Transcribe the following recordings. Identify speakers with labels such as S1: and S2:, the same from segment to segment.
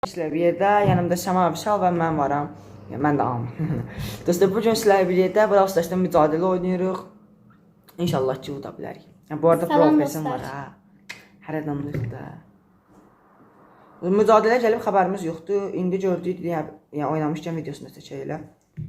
S1: Sizlər bir yerdə, yanımda Səma Vüsal və mən varam. Mən də am. Dostlar, bugün sizlər bir yerdə Brawl Stars'da mücadilə oynayırıq. İnşallah ki, uda bilərik. Bu arada progresim var ha. Hər adamlıq da. Mücadilə gəlib xəbərimiz yoxdur. İndi gördük, yəni oynamışkən videosunu çəkək elə.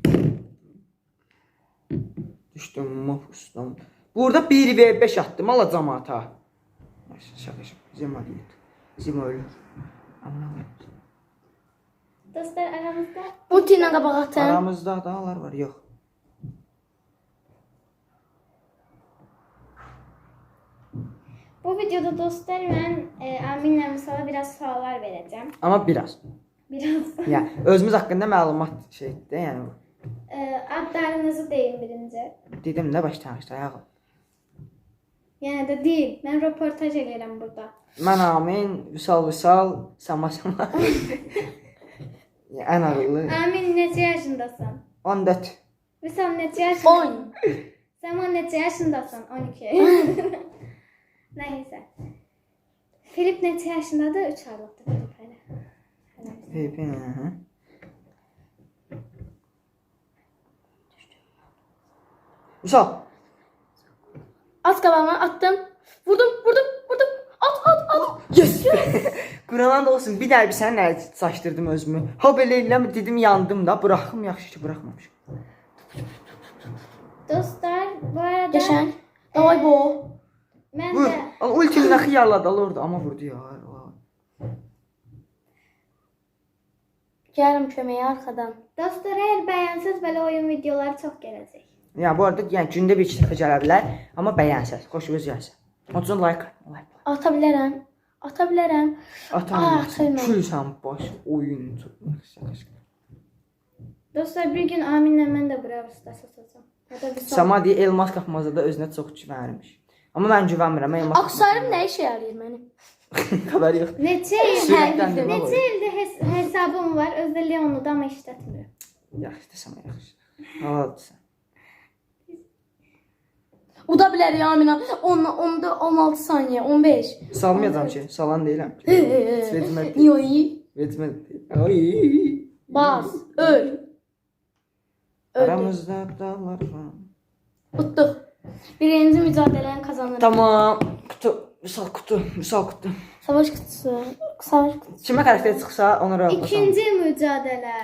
S1: Düşdüm, mafustam. Burada 1v5 attım, alacam ata. Şaka. Zima deyil. Zima ölür. Anlamıyorum.
S2: Dostlar aramızda
S3: Ulti ilə qabağa atın.
S1: Aramızda dağlar var, yox.
S2: bu videoda dostlar mən Aminlə Vüsala biraz suallar verəcəm.
S1: Amma biraz.
S2: Biraz.
S1: Yəni özümüz haqqında məlumat şeydir, yəni.
S2: Adlarınızı deyin birinci.
S1: Dedim nə başlanğıcda ayağı.
S2: Yəni də deyil. Mən röportaj edirəm burada.
S1: Mən Amin, Vüsal, Səma. Ən ağıllı.
S2: Amin neçə yaşındasan?
S1: 14.
S2: Vüsal neçə yaşındasan?
S3: 10.
S2: Səma neçə yaşındasan? 12. Nəysə. Filip neçə yaşındadır? 3 aylıqdır Filip hələ.
S1: Filipin, Vüsal.
S3: At qabağıma attım. Vurdum. At.
S1: Yes! Quranan da olsun, bir dərbi sənin əli saçdırdım özümü. Ha belə eləmə dedim, yandım da. Bıraxım, yaxşı ki, bıraxmamışım.
S2: Dostlar, bu arada
S3: Qəşəng. Davay bu.
S2: mən
S1: Vur.
S2: də
S1: Ultimi nə xiyarladı orada, amma vurdu ya.
S3: Gəlirəm köməyə arxadan.
S2: dostlar, əgər bəyənsəz belə oyun videoları çox gələcək.
S1: Yəni bu arada yəni gündə bir iki dəfə gələ bilər, amma bəyənsəz, xoşunuz gəlsin. Onun üçün like.
S3: Ata bilərəm.
S1: Atam,
S3: atayım mən.
S1: külsən baş oyuncu.
S2: Dostlar, bir gün Aminlə mən də Brawl Stars atacağam. Ya da bir
S1: Səma deyə elmas qapmazda özünə çox güvənirmiş. Amma mən güvənmirəm. Elmas
S3: Aksarım nə işə yarayır mənim?
S1: xəbər yox.
S2: Neçə ildə hesabım var. Özdə Leon'u da amma işlətmirəm.
S1: Yaxşı, Səma yaxşı. Haladısan.
S3: Uda bilər ya Amina. 16 saniyə, 15.
S1: Salmayacam ki, salan deyiləm. Vecmət.
S3: Yoy.
S1: Vecmət. Ay.
S3: Bas, öl.
S1: Aramızda dağlar var.
S3: Utduq. Birinci mücadeləni kazanırıq.
S1: Tamam. Vüsal kutu.
S3: Savaş kutusu.
S1: Kimə xəritə çıxsa ona rəğbət.
S2: İkinci mücadilə.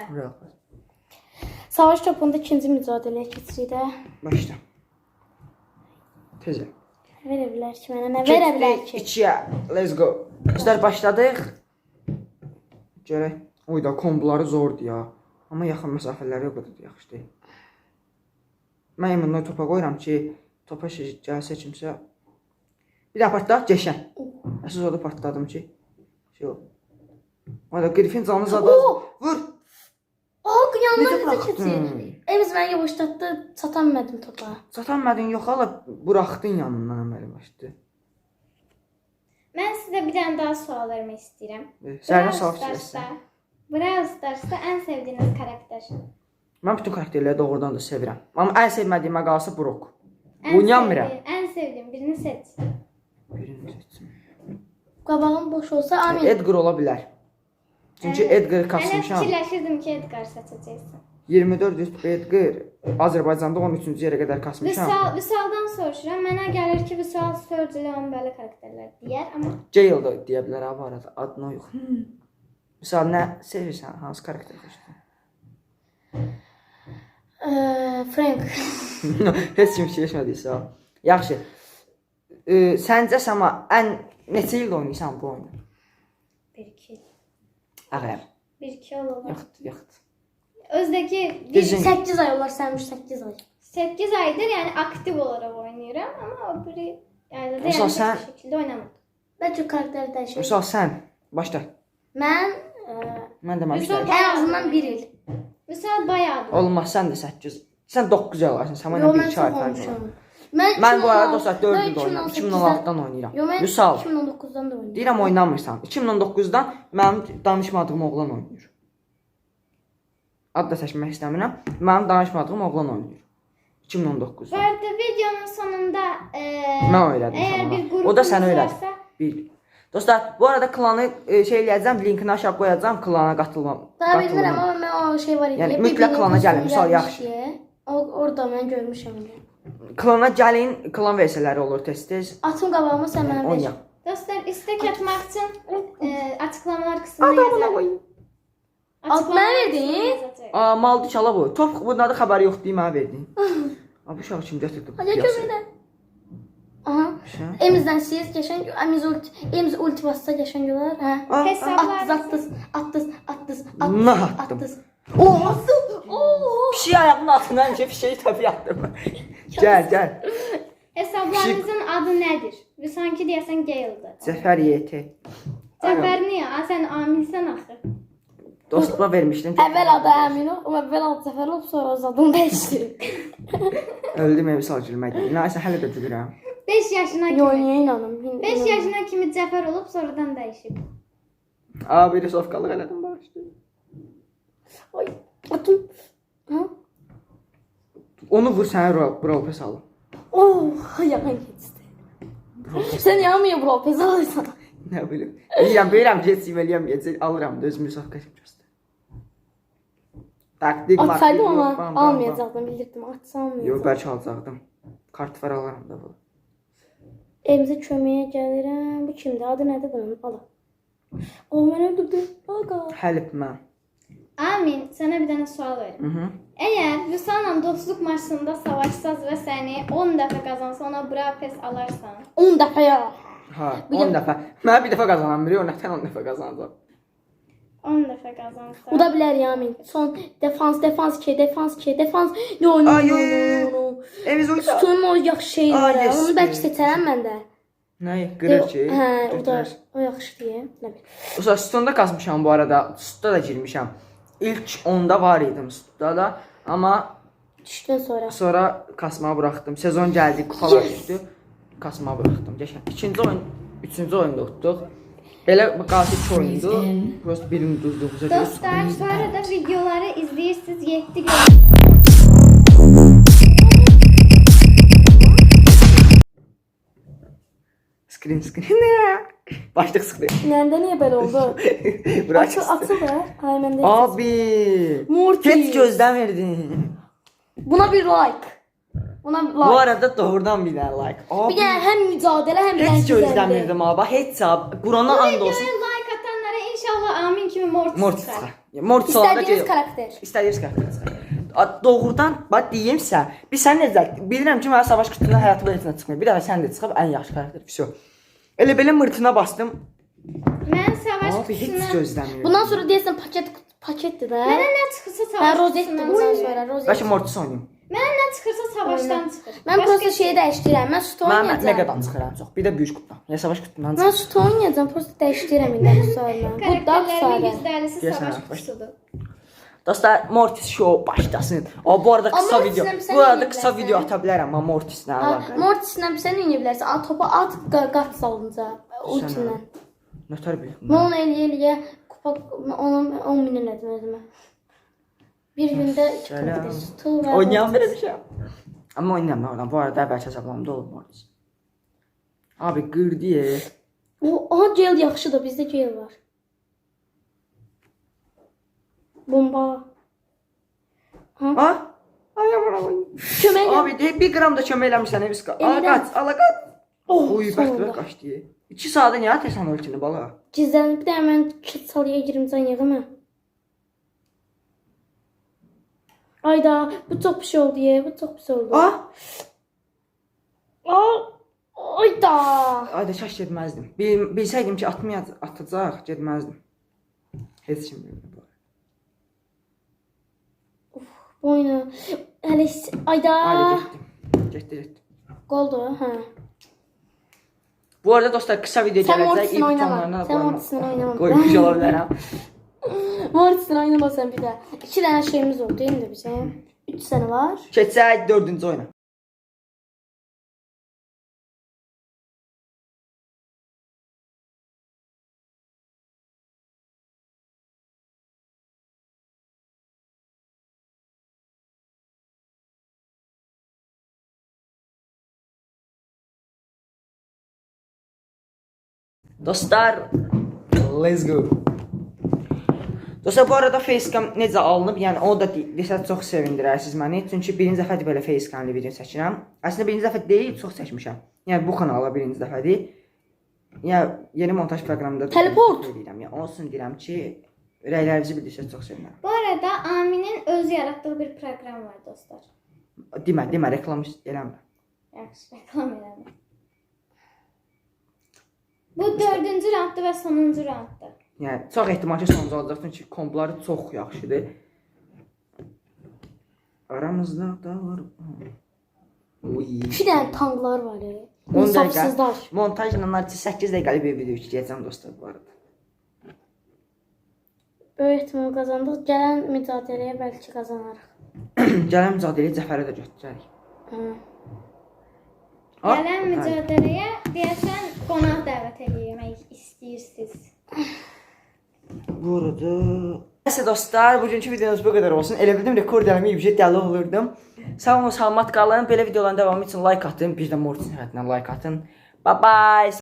S3: Savaş topunda ikinci mücadiləyə keçirik də.
S1: Başla. Tezə.
S3: Verə bilər ki, mənə nə verə bilər ki?
S1: 2-yə. Let's go. Bizlər başladıq. Görək. Oyda komboları zordur ya. Amma yaxın məsafələri o qədər yaxşı deyil. Mən imundan topa qoyuram ki, topa gəlsə kimsə. Bir də partlat, geçən. Əsas orada partladım ki. Şey o. Oyda Griffin canı zada. Vur.
S3: Yandan necə keçir? Evimiz məni yavaşlatdı, çatanmadım topa.
S1: Çatanmadın yox, hala buraxdın yanından əməli başdı.
S2: Mən sizə bir dənə daha sual vermək istəyirəm.
S1: Sənə sual istəyirsən.
S2: Brawl Stars'da ən sevdiyiniz karakter.
S1: Mən bütün karakterləri doğrudan da sevirəm. Amma ən sevmədiyimə qalsa Brock. Oynayamıram.
S2: Ən sevdiyim birini seç.
S1: Birini seçim.
S3: Qabağım boş olsa Amin.
S1: Edgar ola bilər. Çünki Edgar'ı
S2: Mən
S1: kasmışam.
S2: fikirləşirdim ki, Edgar seçəcəksən.
S1: 24 üst Edgar Azərbaycanda 13-cü yerə qədər kasmışam.
S2: Vüsaldan soruşuram. Mənə gəlir ki, Vüsal Sörcülə onun belə karakterlər deyər, amma
S1: Jail da deyə bilər ha bu arada. Adına yox. Misal nə sevirsən? Hansı karakter xoşdur?
S3: Frank.
S1: Heç kim seçmədiysə. Yaxşı. Səncə Səma ən neçə il oynayırsan bu oyunu?
S2: 1-2 il.
S1: Ağır.
S2: 1-2 il olar.
S1: Yoxdur.
S2: Özdəki
S1: Düzün.
S3: 8 ay olar sənmiş 8 ay.
S2: 8 aydır, yəni aktiv olaraq oynayıram, amma o biri yəni də
S1: Vüsal,
S2: yəni
S1: sən-
S2: bu şəkildə oynamırdım.
S3: Bəlkə karakter dəyişir.
S1: Misal sən başla.
S3: Mən
S1: Mən də
S2: Vüsal-
S3: ən azından 1 il.
S2: Vüsal bayağıdır.
S1: Olmaz, sən də 8. Sən 9 alarsın. Səma
S3: Yo,
S1: ilə
S3: mən
S1: 1-2 ay
S3: çox
S1: fərq var.
S3: olmuşam.
S1: Mən bu arada dostlar 4
S3: mən
S1: ildə oynayıram.
S3: 2018-dən
S1: 2016-dan oynayıram.
S3: Yo, mən
S1: Vüsal.
S3: 2019-dan da oynayıram.
S1: Deyirəm oynamırsan. 2019-dan mənim danışmadığım oğlan oynayır. Ad da seçmək istəmirəm. Mənim danışmadığım oğlan oynayır. 2019-da.
S2: Bu arada videonun sonunda
S1: Mən öyrədim
S2: eğer
S1: sana.
S2: bir
S1: O da
S2: grubunuz
S1: sənə öyrədi.
S2: varsa
S1: Bil. Dostlar, bu arada klanı şey eləyəcəm, linkini aşağı qoyacağam, klana qatılmam.
S3: Daha bilmirəm amma mən o şey var idi.
S1: Yəni,
S3: ya,
S1: mütləq
S3: bir-birinin
S1: klana gəlin,
S3: kostümü
S1: misal
S3: gəlmiş
S1: yaxşı.
S3: deyə. Orada mən görmüşəm.
S1: Klana gəlin, klan versiyaları olur tez-tez.
S3: Atım qabağıma sən mənə ver.
S1: Oynayaq.
S2: Dostlar, istek atmaq üçün açıqlamalar qismına yazın.
S3: At mənə verdin?
S1: Aa, maldı çala bu. Top bunlarda xəbəri yoxdur, mənə verdin. Aa, bu uşaq kim gətirdi?
S3: Hadi kömürlə. Aha. Emizdən siz geçən Emiz ulti bassa geçən gülər. Hə.
S2: Hesablarınızı
S3: Attız.
S1: Nə attım?
S3: Oo.
S1: Pişik ayağımın altına həmişə pişiyi təpi atdım. Gəl.
S2: hesablarınızın adı nədir? Və sanki deyəsən Gale'dır.
S1: Cəfər YT.
S2: Cəfər niyə? Sən amilsən axı.
S1: Dostuma vermişdim.
S3: Əvvəl adı Əmin ol, əvvəl adı Cəfər olub, sonra adını dəyişdirib.
S1: Öldüm evi sal gülməkdən. Nəysə hələ də gülürəm.
S2: 5 yaşına
S3: Yo,
S2: kimi.
S3: niyə inanım?
S2: 5 yaşına kimi Cəfər olub, sonradan dəyişib.
S1: Aa, bir sofqalıq elədim bağışlayın.
S3: Ay, atım. Ha?
S1: Onu vur sənə Brawl Pass alım.
S3: Oh, yalan keçdi. Sən yanmıyor Brawl Pass alırsan.
S1: Nə bilim. Bilirəm, geçim eləyəm, alıram da özümü sofqa göstər. Taktik var.
S3: Atsaydım ama almayacaqdım, bildirdim. Atsa almayacaqdım.
S1: Yox, bəlkə alacaqdım. Kart var alaram da bu.
S3: Evimizə köməyə gəlirəm. Bu kimdir? Adı nədir bunun? Ala. O, mən öldürdüm. Aga.
S1: Həlib mən.
S2: Amin, sənə bir dənə sual verim. Əgər Vüsal'la dostluq maçında savaşsaz və səni 10 dəfə qazansa, ona Brawl Pass alarsan.
S3: 10 dəfə ya.
S1: Ha, 10 dəfə. Mən bir dəfə qazanam, biri ondan 10 dəfə qazanacaq.
S2: 10 dəfə qazansa.
S3: Bu da bilər ya Amin. Son defans. No.
S1: Eviz oysa.
S3: Tutun o yaxşı şey var ya.
S1: yes,
S3: Onu bəlkə seçərəm mən də.
S1: Nə? Qırır ki.
S3: Hə, o yaxşı deyə. Nə bilim.
S1: Usta Stonda kasmışam bu arada. Stunda da girmişəm. İlk 10'da var idim Stunda da. Amma
S3: Düşdün
S1: sonra kasmağı buraxdım. Sezon gəldi, kupalar düşdü. Kasmağı buraxdım. Geçən. İkinci oyun, üçüncü oyunda utduq. Belə qatil 2 oyundu. Prosta birini uduzduq.
S2: Dostlar, bu arada videoları izləyirsiniz 7 gün.
S1: Screen. Başlıq sıxdı.
S3: Nəndə niyə belə oldu?
S1: Bırak.
S3: Atıl da. Ay məndə.
S1: Abi.
S3: Mortis.
S1: Heç gözləmirdin.
S3: Buna bir like. Buna bir
S1: Bu
S3: like.
S1: arada doğrudan bir dənə like. Abi.
S3: Bir dənə həm mücadilə, həm
S1: Heç gözləmirdim abi. Heç ab. Qurana and olsun.
S2: Like atanlara inşallah Amin kimi Mortis çıxar.
S1: Mortis olanda
S3: İstədiyiniz karakter.
S1: İstədiyiniz karakter. Doğrudan bax deyimsə, biz sən necə bilirəm ki, mənim savaş qutusunda həyatımda heç nə çıxmır. Bir dəfə sən də çıxıb ən yaxşı karakter. Vəsə. Elə belə mırtına bastım.
S2: Mən savaş
S1: Abi heç
S2: qutusuna...
S1: gözləmirdim.
S3: Bundan sonra deyəsən paketdir də.
S2: Mənə nə çıxırsa
S3: Hə,
S2: savaş
S3: rozetdir
S2: qutusundan
S3: bundan
S2: çıxır.
S3: sonra, rozet.
S1: Bəlkə Mortis oynayım.
S2: Mənə nə çıxırsa savaşdan çıxır.
S3: Mən prosta şeyi dəyişdirirəm. Mən süt
S1: Mən
S3: oynayacağam.
S1: megadan çıxıram çox. Bir də böyük qutudan. Ya savaş qutusundan
S3: Mən
S1: çıxır.
S3: süt oynayacağım. Prosta dəyişdirirəm indi bu sualını. Bu da
S2: Karakterlərimin
S3: sadə.
S2: %50'si
S1: Deyəsən,
S2: savaş
S1: baş-
S2: qutusudur.
S1: Dostlar, Mortis show başlasın. O bu arada kısa
S3: Amma
S1: video.
S3: Mortis'lə
S1: Bu arada
S3: sən
S1: kısa
S3: oynaya
S1: video
S3: bilərsən.
S1: ata bilərəm amma Mortislə əlaqəli.
S3: Mortislə sən oynaya bilərsən. Topu at, qat salınca ultinlə.
S1: Nətər bildim.
S3: Mən onu eləyə kupa onu 10 min elədim özümə. Bir gündə 2 kupa
S1: Selam.
S3: sütü və
S1: Oynayan belə bir şey. Amma oynayamam oradan. Bu arada əvvəlki hesablamda olur Mortis. Abi qırdı ye.
S3: Aha gel yaxşıdır. Bizdə gel var. Bomba.
S1: Ha? Ay aman.
S3: Kömək elə.
S1: Abi de 1 qram da kömək eləmirsən Eviska. Ala
S3: Emirəm.
S1: qaç, ala qaç.
S3: Oh,
S1: Uy, bəxtə qaçdı. 2 saata niyə atırsan ultini bala?
S3: Gizlənib bir də mən kit salıya girim can yığımı. Ayda bu çox pis oldu ya. Bu çox pis oldu.
S1: Ah,
S3: Ayda.
S1: ayda çaş getməzdim. Bilsəydim ki atacaq, getməzdim. Heç kim bilmir bu.
S3: Oyna. Hələ ayda.
S1: Ayda getdim.
S3: Qoldu, hə.
S1: Bu arada dostlar kısa video
S3: Sən
S1: gələcək.
S3: Mortis'in
S1: İlk
S3: oynama.
S1: tonlarına
S3: Sən Mortis'in oynama.
S1: Qoymuş ola bilərəm.
S3: Mortis'in oynamasan bir də. 2 dənə şeyimiz oldu indi bizə. 3 sənə var.
S1: Keçək 4-cü oyuna. Dostlar, let's go. Dostlar, bu arada facecam necə alınıb, yəni o da desə çox sevindirərsiniz məni. Çünki birinci dəfədir belə facecamlı video çəkirəm. Əslində birinci dəfə deyil, çox çəkmişəm. Yəni bu kanala birinci dəfədir. Yəni yeni montaj proqramında
S3: Teleport
S1: edirəm. Yəni olsun deyirəm ki, rəylərinizi bildirsəz çox sevinirəm.
S2: Bu arada Aminin öz yaratdığı bir proqram var dostlar.
S1: Demə, reklam eləmə.
S2: Yaxşı, reklam eləmə. Bu 4-cü raunddur və sonuncu raunddur.
S1: Yəni çox ehtimal ki sonuncu olacaq çünki komboları çox yaxşıdır. Aramızda dağlar. Uy.
S3: 2 dənə tanklar var.
S1: 10
S3: İnsafsızlar.
S1: dəqiqə montajla artıq 8 dəqiqəlik bir video çəkəcəm dostlar bu arada.
S3: Böyük ehtimal qazandıq. Gələn mücadiləyə bəlkə qazanarıq.
S1: Gələn mücadiləyə Cəfərə də götürəcək.
S2: Gələn mücadiləyə deyəsən qonaq dəvət etmək istəyirsiniz.
S1: Bu arada... Nəysə dostlar, bugünkü videomuz bu qədər olsun. Elə bildim rekord eləməyib, dəli olurdum. Sağ olun, salamat qalın. Belə videoların davamı üçün like atın. Bir də Mortis həyatından like atın. Bye bye.